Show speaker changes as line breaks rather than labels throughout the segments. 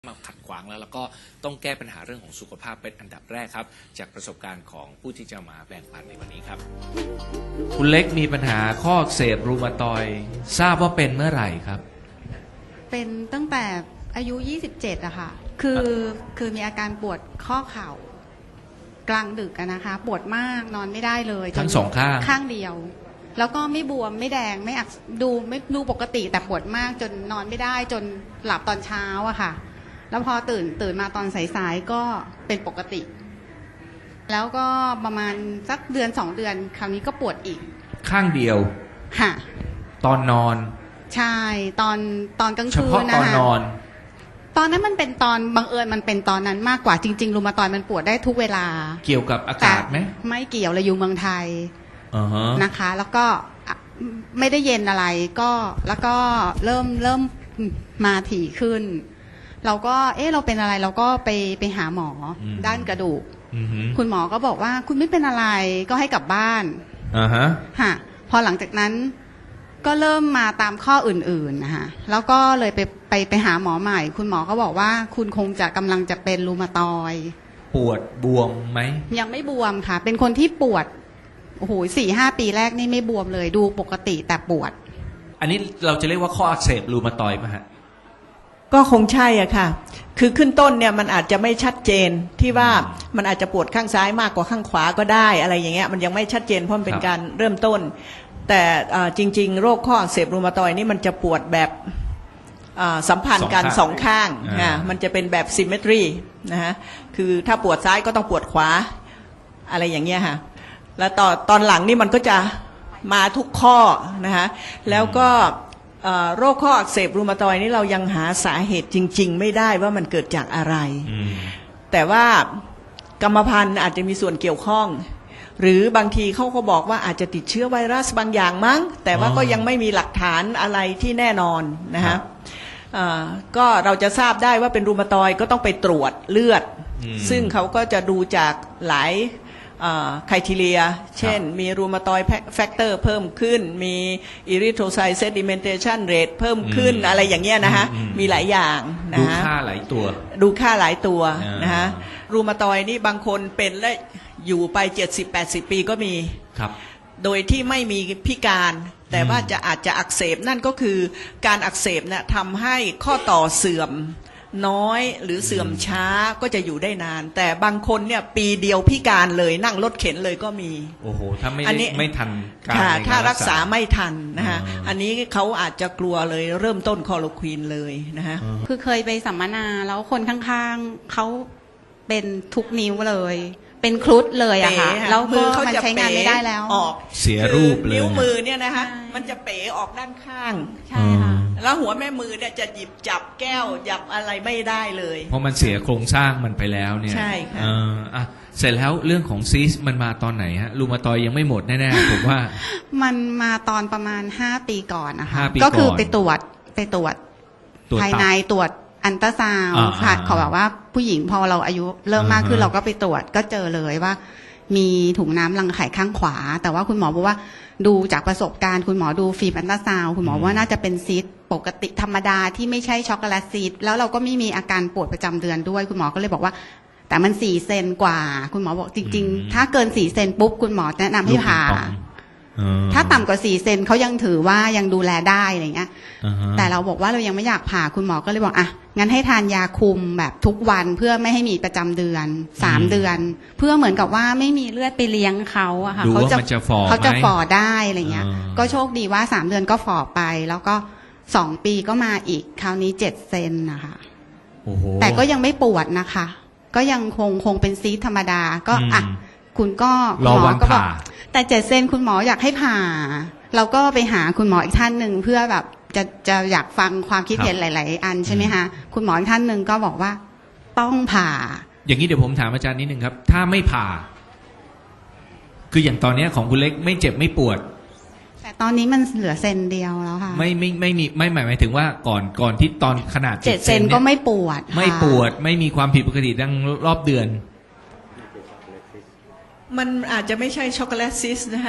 มาขัดขวางแล้วก็ต้องแก้ปัญหาเรื่องของสุขภาพเป็นอันดับแรกครับจากประสบการณ์ของผู้ที่จะมาแบ่งปันในวันนี้ครับ
คุณเล็กมีปัญหาข้ออักเสบรูมาตอยด์ทราบว่าเป็นเมื่อไหร่ครับ
เป็นตั้งแต่อายุ27อะค่ะคือมีอาการปวดข้อเข่ากลางดึกอะนะคะปวดมากนอนไม่ได้เลย
ทั้งสองข้าง
ข้างเดียวแล้วก็ไม่บวมไม่แดงไม่อักดูปกติแต่ปวดมากจนนอนไม่ได้จนหลับตอนเช้าอะค่ะแล้วพอตื่นมาตอนสายๆก็เป็นปกติ แล้วก็ประมาณสักเดือน2 เดือนคราวนี้ก็ปวดอีก
ข้างเดียว
ค่ะ
ตอนนอน
ใช่ตอนกลางคืนนะคะ
เฉพาะตอนนอน
ตอนนั้นมันเป็นตอนบังเอิญมันเป็นตอนนั้นมากกว่าจริงๆรูมาตอยด์มันปวดได้ทุกเวลา
เกี่ยวกับอากาศไหม
ไม่เกี่ยวเลยอยู่เมืองไทยนะคะแล้วก็ไม่ได้เย็นอะไรก็แล้วก็เริ่มมาถี่ขึ้นเราก็เราเป็นอะไรเราก็ไปหาหมอด้านกระดูกคุณหมอก็บอกว่าคุณไม่เป็นอะไรก็ให้กลับบ้านค่ะพอหลังจากนั้นก็เริ่มมาตามข้ออื่นๆนะคะแล้วก็เลยไปหาหมอใหม่คุณหมอก็บอกว่าคุณคงจะกำลังจะเป็นรูมาตอยด์
ปวดบวมไหม
ยังไม่บวมค่ะเป็นคนที่ปวดโอ้โห4-5 ปีแรกนี่ไม่บวมเลยดูปกติแต่ปวด
อันนี้เราจะเรียกว่าข้ออักเสบรูมาตอยด์ไหมฮะ
ก็คงใช่อ่ะค่ะคือขึ้นต้นเนี่ยมันอาจจะไม่ชัดเจนที่ว่ามันอาจจะปวดข้างซ้ายมากกว่าข้างขวาก็ได้อะไรอย่างเงี้ยมันยังไม่ชัดเจนเพราะมันเป็นการเริ่มต้นแต่จริงๆโรคข้ออักเสบรูมาตอยด์นี่มันจะปวดแบบสัมพันธ์กันสองข้างมันจะเป็นแบบซิมเมตรีนะฮะคือถ้าปวดซ้ายก็ต้องปวดขวาอะไรอย่างเงี้ยค่ะแล้วตอนหลังนี่มันก็จะมาทุกข้อนะคะแล้วก็โรคข้ออักเสบรูมาตอยด์นี่เรายังหาสาเหตุจริงๆไม่ได้ว่ามันเกิดจากอะไรแต่ว่ากรรมพันธุ์อาจจะมีส่วนเกี่ยวข้องหรือบางทีเขาก็บอกว่าอาจจะติดเชื้อไวรัสบางอย่างมั้งแต่ว่าก็ยังไม่มีหลักฐานอะไรที่แน่นอนนะคะก็เราจะทราบได้ว่าเป็นรูมาตอยด์ก็ต้องไปตรวจเลือดซึ่งเขาก็จะดูจากหลายไครทีเรียเช่นมีรูมาตอยด์แฟกเตอร์เพิ่มขึ้นมีอิริโทรไซต์เซดิเมนเทชันเรทเพิ่มขึ้นอะไรอย่างเงี้ยนะคะมีหลายอย่างนะ
ดูค่าหลายตัว
นะคะรูมาตอยด์นี่บางคนเป็นและอยู่ไป70-80 ปีก็มี
ครับ
โดยที่ไม่มีพิการแต่ว่าอาจจะอักเสบนั่นก็คือการอักเสบเนี่ยทำให้ข้อต่อเสื่อมน้อยหรือเสื่อมช้าก็จะอยู่ได้นานแต่บางคนเนี่ยปีเดียวพิการเลยนั่งรถเข็นเลยก็มี
โอ้โหถ้าไม่ทัน
การถ้ารักษาไม่ทันนะคะอันนี้เขาอาจจะกลัวเลยเริ่มต้นคลอโรควีนเลยนะคะ
คือเคยไปสัมมนาแล้วคนข้างๆเขาเป็นทุกนิ้วเลยเป็นครุฑเลยอะค่ะแล้วมือเขาจะใช้งานไม่ได้แล้ว
ออก
เสียรูปเลย
นิ้วมือเนี่ยนะคะมันจะเป๋ออกด้านข้าง
ใช่ค่ะ
แล้วหัวแม่มือเนี่ยจะหยิบจับแก้วหยับอะไรไม่ได้เลย
เพราะมันเสียโครงสร้างมันไปแล้วเนี่ย
ใช่ค่ะ
เสร็จแล้วเรื่องของซีสมันมาตอนไหนฮะรูมาตอยยังไม่หมดแน่ๆผมว่า
มันมาตอนประมาณ5 ปีก่อนนะคะก็คือไปตรวจภายในตรวจอันตราซาวด์ค่ะเขาบอกว่าผู้หญิงพอเราอายุเริ่มมากขึ้นเราก็ไปตรวจก็เจอเลยว่ามีถุงน้ำรังไข่ข้างขวาแต่ว่าคุณหมอบอกว่าดูจากประสบการณ์คุณหมอดูฟิล์มอันตราซาวด์คุณหมอว่าน่าจะเป็นซีสต์ปกติธรรมดาที่ไม่ใช่ช็อกโกแลตซีสต์แล้วเราก็ไม่มีอาการปวดประจำเดือนด้วยคุณหมอก็เลยบอกว่าแต่มัน4 เซนกว่าคุณหมอบอกจริงๆถ้าเกิน4 เซนปุ๊บคุณหมอแนะนำให้ผ่าถ้าต่ำกว่า4 เซนเขายังถือว่ายังดูแลได้อะไรเงี้ยแต่เราบอกว่าเรายังไม่อยากผ่าคุณหมอก็เลยบอกงั้นให้ทานยาคุมแบบทุกวันเพื่อไม่ให้มีประจำเดือน3 เดือนเพื่อเหมือนกับว่าไม่มีเลือดไปเลี้ยงเขาอะค่ะเขาจะฝ่อได้อะไรเงี้ยก็โชคดีว่า3 เดือนก็ฝ่อไปแล้วก็2 ปีก็มาอีกคราวนี้7 เซนนะคะแต่ก็ยังไม่ปวดนะคะก็ยังคงเป็นซีสธรรมดาก็คุณก็
รอวันผ่า
แต่7 เซนคุณหมออยากให้ผ่าเราก็ไปหาคุณหมออีกท่านหนึ่งเพื่อแบบจะอยากฟังความคิดเห็นหลายๆอันใช่ไหมคะคุณหมออีกท่านหนึ่งก็บอกว่าต้องผ่า
อย่างนี้เดี๋ยวผมถามอาจารย์นิดนึงครับถ้าไม่ผ่าคืออย่างตอนนี้ของคุณเล็กไม่เจ็บไม่ปวด
แต่ตอนนี้มันเหลือเซนเดียวแล้วค่ะ
ไม่มีไม่หมายถึงว่าก่อนที่ตอนขนาด
7 เซนก็ไม่ปวด
ไม่มีความผิดปกติดังรอบเดือน
มันอาจจะไม่ใช่ช็อกโกแลตซิสนะฮะ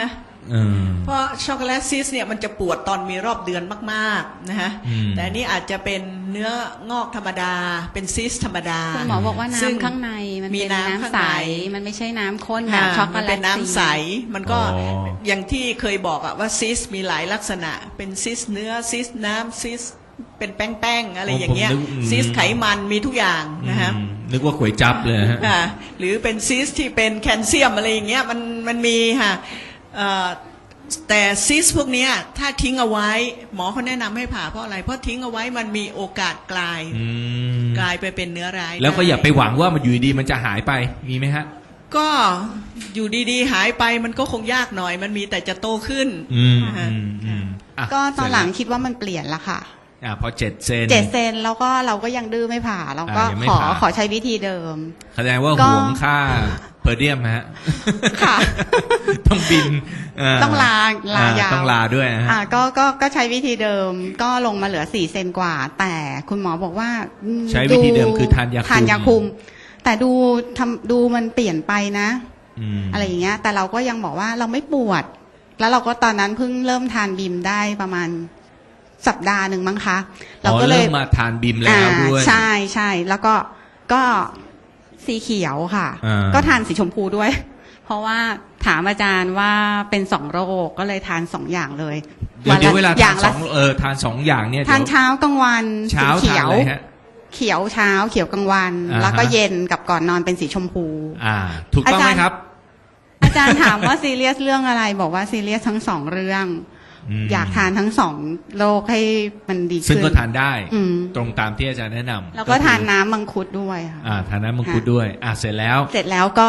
เพราะช็อกโกแลตซิสเนี่ยมันจะปวดตอนมีรอบเดือนมากๆนะฮะแต่อันนี้อาจจะเป็นเนื้องอกธรรมดาเป็นซิสธรรมดา
คุณหมอบอกว่า
ซึ่ง
น้ำข้างในมัน
มี
เป็น
น้ำ
น้ำ
ข้าง
ใส
ใน
มันไม่ใช่น้ำข้นแบบช็อกโก
มัน
แลต
เป็นน้ำใสมันก็
อ๋อ
อย่างที่เคยบอกอะว่าซิสมีหลายลักษณะเป็นซิสเนื้อซิสน้ำซิสเป็นแป้งๆอะไรอย่างเงี้ย
ผมนึก
ซิสไขมันมีทุกอย่างนะฮะ
นึกว่าก๋วยจั๊บเลยฮะ
หรือเป็นซิสที่เป็นแคลเซียมอะไรอย่างเงี้ยมันมีค่ะแต่ซิสพวกเนี้ยถ้าทิ้งเอาไว้หมอเขาแนะนำให้ผ่าเพราะอะไรเพราะทิ้งเอาไว้มันมีโอกาสกลายไปเป็นเนื้อร้าย
แล้วก็
ด้
อย่าไปหวังว่ามันอยู่ดีมันจะหายไปมีไหมฮะ
ก็อยู่ดีๆหายไปมันก็คงยากหน่อยมันมีแต่จะโตขึ้นนะฮะ
อ่ะ
ก็ตอนหลัง
เสร็จ
คิดว่ามันเปลี่ยนละค่ะ
แล้วพอ7 เซน
7 เซนแล้วก็เราก็ยังดื้อไม่ผ่าเราก็
ยังไม่ผ่า
ขอใช้วิธีเดิม
แสดงว่า
ก็
ห่วงค่าเพอร์เดียมฮะ
ค่ะ
ต้องบิน
ต้องลายาว
ต้องลาด้วยนะฮะ
ก็ใช้วิธีเดิมก็ลงมาเหลือ4 เซนกว่า แต่คุณหมอบอกว่า
ใช้วิธีเดิมคือทานยาคุม
ทานยาคุม แต่ดูมันเปลี่ยนไปนะ อะไรอย่างเงี้ย แต่เราก็ยังบอกว่าเราไม่ปวด แล้วเราก็ตอนนั้นเพิ่งเริ่มทานบิมได้ประมาณสัปดาห์หนึ่งมั้งคะ เราก็เลย
เริ่มมาทานบิมแล้วด้วย
ใช่แล้วก็สีเขียวค่ะ ก็ทานสีชมพูด้วย เพราะว่าถามอาจารย์ว่าเป็น2 โรคก็เลยทาน2 อย่างเลย
เดี๋ยวเวลา
อ
ทา
ย่าน ง
ส
ละ
องทาน2 อย่างเนี่ย
ทาน
เดี๋ยว
เช้ากลางวัน
เช้า
สีเขี
ทาน
ยว
อะไรฮะ
เขียวเช้าเขียวกลางวัน
อ่าฮะ
แล้วก็เย็นกับก่อนนอนเป็นสีชมพู
ถูกต้องไหม
อาจารย์
ครับ
อาจารย์ถามว่าซีเรียสเรื่องอะไร บอกว่าซีเรียสทั้ง2 เรื่อง อยากทานทั้ง2 โรคให้มันดี
ซึ่ง
ขึ้น
ก็ทานได้
อืม
ตรงตามที่อาจารย์แนะนำ
แล้วก็
คือ
ทานน้ำมังคุดด้วยค่ะ
ทานน้ำมังคุดด้วยเสร็จแล้ว
เสร็จแล้วก็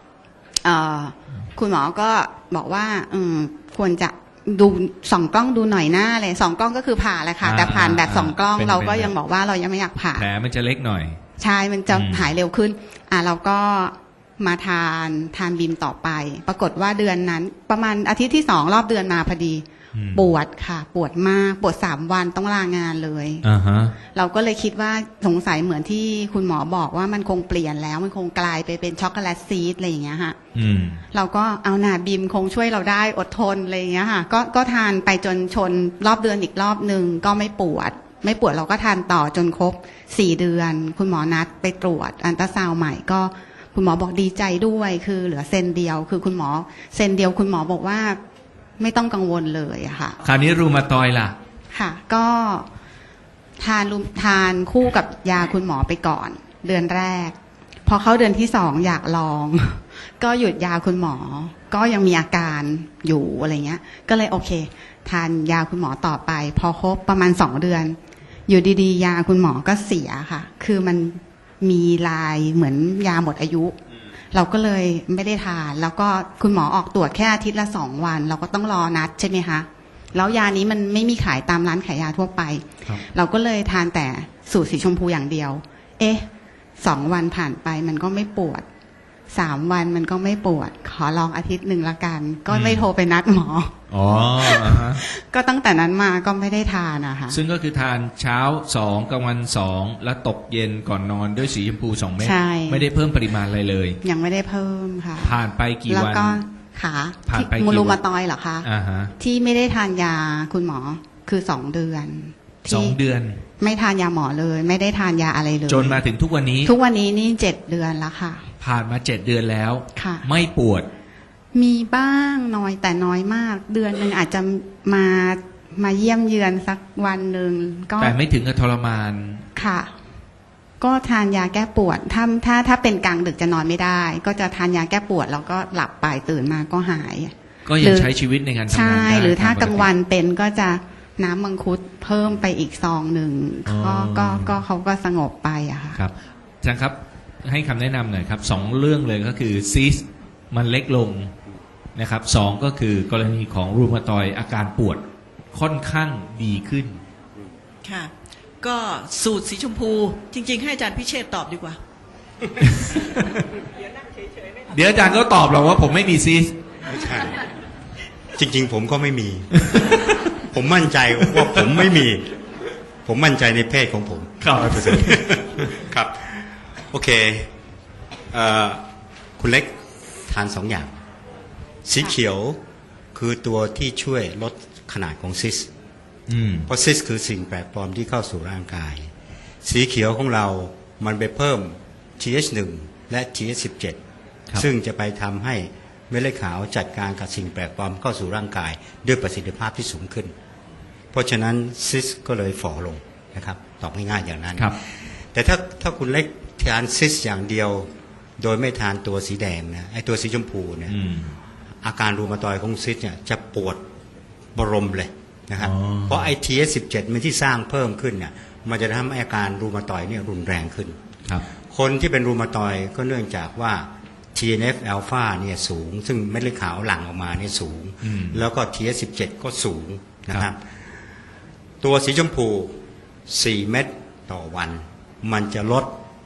คุณหมอก็บอกว่าควรจะดู2 กล้องดูหน่อยหน้าเลย2 กล้องก็คือผ่าแหละค่ะ แต่ผ่านแบบ2 กล้อง
เป็น
เราก็
เป็น
ยังบอกว่าเรายังไม่อยากผ่า
แผลมันจะเล็กหน่อย
ใช่มันจะหายเร็วขึ้นเราก็มาทานบิมต่อไป ปรากฏว่าเดือนนั้น ประมาณอาทิตย์ที่2รอบเดือนมาพอดี ปวดค่ะ ปวดมากปวด3 วันต้องลางานเลย เราก็เลยคิดว่าสงสัยเหมือนที่คุณหมอบอกว่ามันคงเปลี่ยนแล้วมันคงกลายไปเป็นช็อกโกแลตซีดอะไรอย่างเงี้ยค่ะเราก็เอาหนาบิมคงช่วยเราได้อดทนอะไรอย่างเงี้ยค่ะก็ทานไปจนชนรอบเดือนอีกรอบนึงก็ไม่ปวดเราก็ทานต่อจนครบ4 เดือน คุณหมอนัดไปตรวจอัลตราซาวด์ใหม่ก็คุณหมอบอกดีใจด้วยคือเหลือเซนเดียวคือคุณหมอเซนเดียวคุณหมอบอกว่าไม่ต้องกังวลเลยอะค่ะ
คราวนี้รูมาตอยด์ล่ะ
ค่ะก็ทานคู่กับยาคุณหมอไปก่อนเดือนแรกพอเข้าเดือนที่2อยากลอง ก็หยุดยาคุณหมอก็ยังมีอาการอยู่อะไรเงี้ยก็เลยโอเคทานยาคุณหมอต่อไปพอครบประมาณ2 เดือนอยู่ดีๆยาคุณหมอก็เสียค่ะคือมันมีลายเหมือนยาหมดอายุเราก็เลยไม่ได้ทานแล้วก็คุณหมอออกตรวจแค่อาทิตย์ละ2 วันเราก็ต้องรอนัดใช่ไหมคะแล้วยานี้มันไม่มีขายตามร้านขายยาทั่วไปเราก็เลยทานแต่สูตรสีชมพูอย่างเดียว2 วันผ่านไปมันก็ไม่ปวด3 วันมันก็ไม่ปวดขอลองอาทิตย์หนึ่งละกันก็ไม่โทรไปนัดหมอก็ตั้งแต่นั้นมาก็ไม่ได้ทานนะคะ
ซึ่งก็คือทานเช้า2กลางวัน2แล้วตกเย็นก่อนนอนด้วยสีชมพู2 เม็ดไม่ได้เพิ่มปริมาณอะไรเลย
ยังไม่ได้เพิ่มค่ะ
ผ่านไปกี่วัน
แล้วก็ขา
ผ่านไปกี่วัน
มูลูมาตอยเหรอคะที่ไม่ได้ทานยาคุณหมอคือ2 เดือน
2 เดือน
ไม่ทานยาหมอเลยไม่ได้ทานยาอะไรเลย
จนมาถึงทุกวันนี้
นี่7 เดือนแล้วค่ะ
ผ่านมา7 เดือนแล้ว
ค่ะ
ไม่ปวด
มีบ้างน้อยแต่น้อยมากเดือนหนึ่งอาจจะมาเยี่ยมเยือนสักวันหนึ่งก็
แต่ไม่ถึงกับทรมาน
ค่ะก็ทานยาแก้ปวดถ้าเป็นกลางดึกจะนอนไม่ได้ก็จะทานยาแก้ปวดแล้วก็หลับไปตื่นมาก็หาย
ก็ยังใช้ชีวิตในการทำงานได้
ใช่หรือถ้ากลางวันเป็นก็จะน้ำมังคุดเพิ่มไปอีกซองหนึ่งก็เขาก็สงบไปอะค่ะ
ครับอาจารย์ครับให้คำแนะนำหน่อยครับ2 เรื่องเลยก็คือซีสมันเล็กลงนะครับ2ก็คือกรณีของรูมาตอยด์อาการปวดค่อนข้างดีขึ้น
ค่ะก็สูตรสีชมพูจริงๆให้อาจารย์พิเชษฐ์ตอบดีกว่า
เดี๋ยวอาจารย์ก็ตอบหรอกว่าผมไม่มีซีส
ไม่ใช่จริงๆผมก็ไม่มี ผมมั่นใจว่าผมไม่มีผมมั่นใจในเพศของผมครับโอเคคุณเล็กทาน2 อย่างสีเขียวคือตัวที่ช่วยลดขนาดของซิสเพราะซิสคือสิ่งแปลกปลอมที่เข้าสู่ร่างกายสีเขียวของเรามันไปเพิ่ม TH1 และ TH17 ซึ่งจะไปทำให้เม็ดเลือดขาวจัดการกับสิ่งแปลกปลอมเข้าสู่ร่างกายด้วยประสิทธิภาพที่สูงขึ้นเพราะฉะนั้นซิสก็เลยฝ่อลงนะครับตอบง่ายๆอย่างนั้นแต่ถ้าคุณเล็กทานซิสอย่างเดียวโดยไม่ทานตัวสีแดงนะไอ้ตัวสีชมพูเนี่ยอาการรูมาตอยด์ของซิสเนี่ยจะปวดบรมเลยนะครับเพราะไอ้ TH17 มันที่สร้างเพิ่มขึ้นเนี่ยมันจะทำให้อาการรูมาตอยด์เนี่ยรุนแรงขึ้นคนที่เป็นรูมาตอยด์ก็เนื่องจากว่า TNF อ l ลฟาเนี่ยสูงซึ่งเม็ดเลือดขาวหลั่งออกมาเนี่ยสูงแล้วก็ TH17 ก็สูงนะครับตัวสีชมพู4 เม็ดต่อวันมันจะลด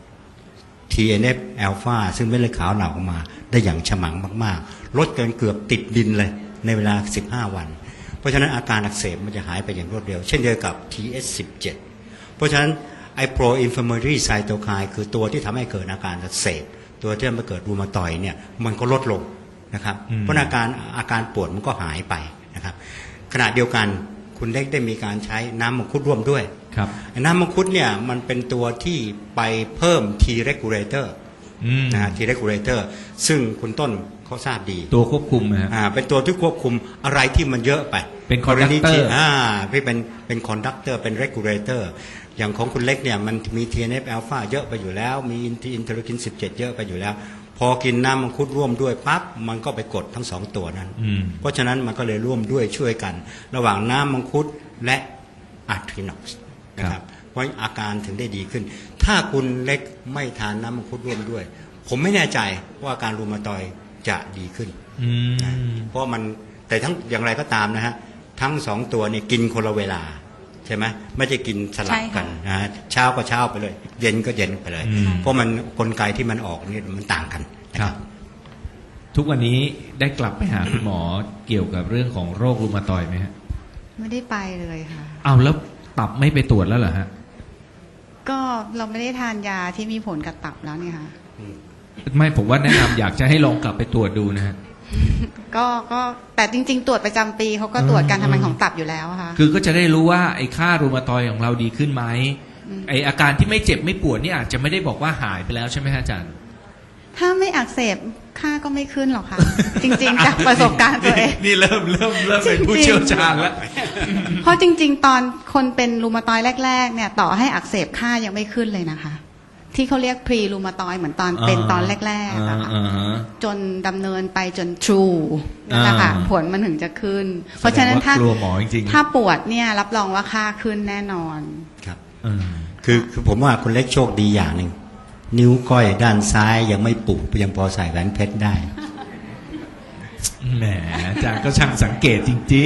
TNF อ l ลฟาซึ่งเม็ดเลือดขาวหลั่งออกมาได้อย่างฉมังมากๆลดเกินเกือบติดดินเลยในเวลา15 วันเพราะฉะนั้นอาการอักเสบมันจะหายไปอย่างรวดเร็วเช่นเดียวกับ TH17 เพราะฉะนั้นไอ้ pro inflammatory cytokine คือตัวที่ทำให้เกิดอาการอักเสบตัวที่ทำให้เกิดรูมาตอยด์เนี่ยมันก็ลดลงนะครับเพราะอาการปวดมันก็หายไปนะครับขณะเดียวกันคุณเล็กได้มีการใช้น้ำมังคุดร่วมด้วยน้ำมังคุดเนี่ยมันเป็นตัวที่ไปเพิ่ม T regulator นะฮะ T regulator ซึ่งคุณต้นเขาทราบดี
ตัวควบคุมนะ
เป็นตัวที่ควบคุมอะไรที่มันเยอะไป
เป็นคอนดักเตอร์
ที่เป็นคอนดักเตอร์เป็น regulator อย่างของคุณเล็กเนี่ยมันมี TNF อ l ลฟาเยอะไปอยู่แล้วมีอินเทอร์คิน17เยอะไปอยู่แล้วพอกินน้ำมังคุดร่วมด้วยปั๊บมันก็ไปกดทั้ง2ตัวนั้นเพราะฉะนั้นมันก็เลยร่วมด้วยช่วยกันระหว่างน้ำมังคุดและอะทรินอกซ์นะครับเพราะอาการถึงได้ดีขึ้นถ้าคุณเล็กไม่ทานน้ำมังคุดร่วมด้วยผมไม่แน่ใจว่าอาการรูมาตอยด์จะดีขึ้นเพราะมันแต่ทั้งอย่างไรก็ตามนะฮะทั้ง2ตัวเนี่ยกินคนละเวลาใช่ไหมไม่จะกินสลับกันนะเช้าก็เช้าไปเลยเย็นก็เย็นไปเลยเพราะมันกลไกที่มันออกนี่มันต่างกัน
ครับทุกวันนี้ได้กลับไปหาคุณหมอเกี่ยวกับเรื่องของโรครูมาตอยด์ไหมฮะ
ไม่ได้ไปเลยค่ะ
เอาแล้วตับไม่ไปตรวจแล้วเหรอฮะ
ก็เราไม่ได้ทานยาที่มีผลกับตับแล้วเนี่ยค่ะ
ไม่ผมว่าแนะนำอยากจะให้ลองกลับไปตรวจดูนะฮะ
ก็แต่จริงๆตรวจประจำปีเขาก็ตรวจการทำงานของตับอยู่แล้วค่ะ
คือก็จะได้รู้ว่าไอ้ค่ารูมาตอยด์ของเราดีขึ้นไหมไอ้อาการที่ไม่เจ็บไม่ปวดนี่อาจจะไม่ได้บอกว่าหายไปแล้วใช่ไหมฮะอาจารย์
ถ้าไม่อักเสบค่าก็ไม่ขึ้นหรอกค่ะ จริงๆจากประสบการณ์ตัวเอง
นี่เริ่มเป็นผู้เชี่ยวชาญแล้ว
เพราะจริงๆตอนคนเป็นรูมาตอยด์แรกๆเนี่ยต่อให้อักเสบค่ายังไม่ขึ้นเลยนะคะที่เขาเรียกพรีรูมาตอยด์เหมือนตอนเป็นตอนแรกๆนะคะจนดำเนินไปจนทรูนั่นแหละค่ะผลมันถึงจะขึ้นเพราะฉะนั้นถ้าปวดเนี่ยรับรองว่าค่าขึ้นแน่นอน
ครับคือผมว่าคุณเล็กโชคดีอย่างหนึ่งนิ้วก้อยด้านซ้ายยังไม่ปุบยังพอใส่แหวนเพชรได้
แหมอาจารย์ก็ช่างสังเกตจริง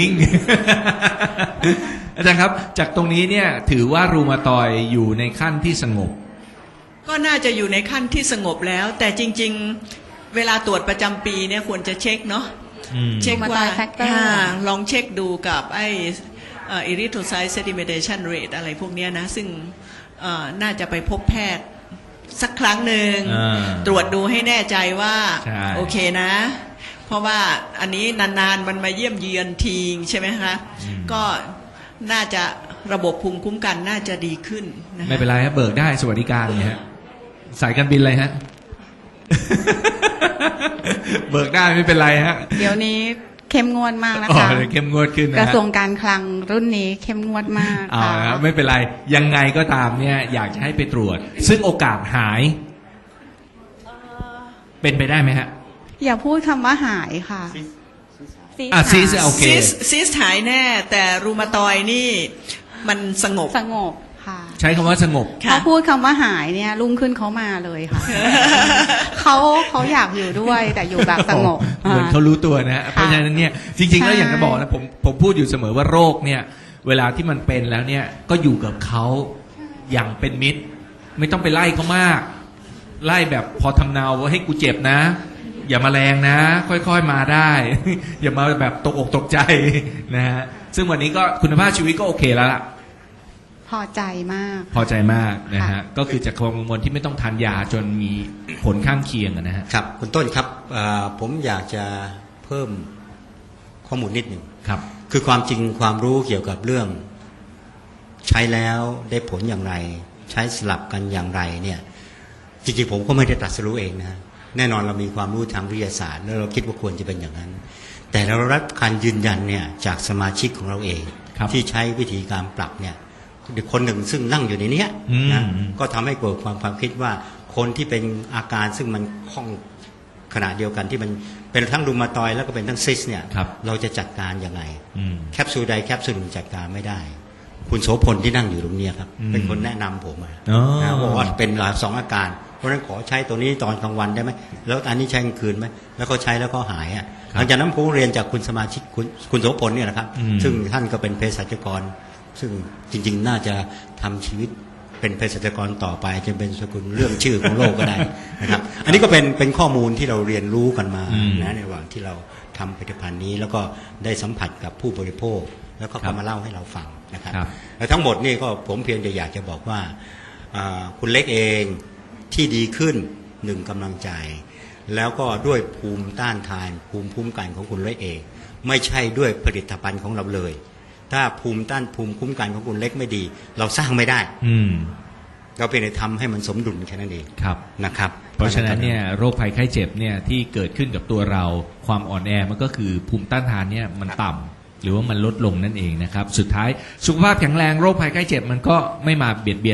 ๆอาจารย์ครับจากตรงนี้เนี่ยถือว่ารูมาตอยด์อยู่ในขั้นที่สงบ
ก็น่าจะอยู่ในขั้นที่สงบแล้วแต่จริงๆเวลาตรวจประจำปีเนี่ยควรจะเช็คเนาะเช็คว่าลองเช็คดูกับไอ้erythrocyte sedimentation rate อะไรพวกนี้นะซึ่งน่าจะไปพบแพทย์สักครั้งหนึ่งตรวจดูให้แน่ใจว่าโอเคนะเพราะว่าอันนี้นานๆมันมาเยี่ยมเยือนทีใช่ไหมคะก็น่าจะระบบภูมิคุ้มกันน่าจะดีขึ้นนะ
ไม่เป็นไรครับเบิกได้สวัสดิการเนี่ยฮะสายการบินอะไรฮะ เบิกได้ไม่เป็นไรฮะ
เดี๋ยวนี้เข้มงวดมากนะคะ
เข้มงวดขึ้นนะ
กระทรวงการคลังรุ่นนี้เข้มงวดมาก
ค่ะไม่เป็นไรยังไงก็ตามเนี่ยอยากจะให้ไปตรวจซึ่งโอกาสหายเป็นไปได้ไหมฮะ
อย่าพูดคำว่าหายค่ะ
ซีสโอเค
ซีสหายแน่แต่รูมาตอยนี่มันสงบ
ค่ะ
ใช้คำว่าสงบ
เขาพูดคำว่าหายเนี่ยรุ่งขึ้นเขามาเลยค่ะ เขาอยากอยู่ด้วยแต่อยู่แบบสงบ
เหมือนเขารู้ตัวนะเพราะฉะนั้นเนี่ยจริงๆแล้วอย่างที่บอกนะผมพูดอยู่เสมอว่าโรคเนี่ยเวลาที่มันเป็นแล้วเนี่ยก็อยู่กับเขาอย่างเป็นมิตรไม่ต้องไปไล่เขามากไล่แบบพอทำเนาว่าให้กูเจ็บนะอย่ามาแรงนะค่อยๆมาได้ อย่ามาแบบตกอกตกใจนะฮะซึ่งวันนี้ก็คุณภาพชีวิตก็โอเคแล้วล่ะ
พอใจมาก
นะฮะก็คือจากความกังวลที่ไม่ต้องทานยาจนมีผลข้างเคียงนะฮะ
ครับคุณต้นครับผมอยากจะเพิ่มข้อมูลนิดหนึ่ง
ครับ
คือความจริงความรู้เกี่ยวกับเรื่องใช้แล้วได้ผลอย่างไร ใช้สลับกันอย่างไรเนี่ยจริงๆผมก็ไม่ได้ตรัสรู้เองนะแน่นอนเรามีความรู้ทางวิทยาศาสตร์แล้วเราคิดว่าควรจะเป็นอย่างนั้นแต่เรารับการยืนยันเนี่ยจากสมาชิกของเราเองที่ใช้วิธีการปรับเนี่ยคนหนึ่งซึ่งนั่งอยู่ในนี้นะก็ทำให้เกิดความคิดว่าคนที่เป็นอาการซึ่งมันคล่องขณะเดียวกันที่มันเป็นทั้งรูมาตอยด์แล้วก็เป็นทั้งซิสเนี่ยเราจะจัดการยังไงแคปซูลใดแคปซูลหนึ่งจัดการไม่ได้คุณโสพลที่นั่งอยู่ตรงนี้ครับเป็นคนแนะนำผมนะบอกว่าเป็นสองอาการเพราะฉะนั้นขอใช้ตัวนี้ตอนกลางวันได้ไหมแล้วอันนี้ใช้กลางคืนไหมแล้วเขาใช้แล้วก็หายหลังจากนั้นผมเรียนจากคุณสมาชิกคุณโสพลเนี่ยนะครับซึ่งท่านก็เป็นเภสัชกรซึ่งจริงๆน่าจะทำชีวิตเป็นเภสัชกรต่อไปจะเป็นสกุลเรื่องชื่อของโลกก็ได้นะครับอันนี้ก็เป็นข้อมูลที่เราเรียนรู้กันมานะในระหว่างที่เราทำผลิตภัณฑ์นี้แล้วก็ได้สัมผัสกับผู้บริโภคแล้วก็มาเล่าให้เราฟังนะครับและทั้งหมดนี่ก็ผมเพียงแต่อยากจะบอกว่าคุณเล็กเองที่ดีขึ้นหนึ่งกำลังใจแล้วก็ด้วยภูมิต้านทานภูมิคุ้มกันของคุณเล็กเองไม่ใช่ด้วยผลิตภัณฑ์ของเราเลยถ้าภูมิคุ้มกันของคุณเล็กไม่ดีเราสร้างไม่ได้เราเป็นแต่ทำให้มันสมดุลแค่นั้นเองนะครับ
เพราะฉะนั้นเนี่ยโรคภัยไข้เจ็บเนี่ยที่เกิดขึ้นกับตัวเราความอ่อนแอมันก็คือภูมิต้านทานเนี่ยมันต่ำหรือว่ามันลดลงนั่นเองนะครับสุดท้ายสุขภาพแข็งแรงโรคภัยไข้เจ็บมันก็ไม่มาเบียดเบียน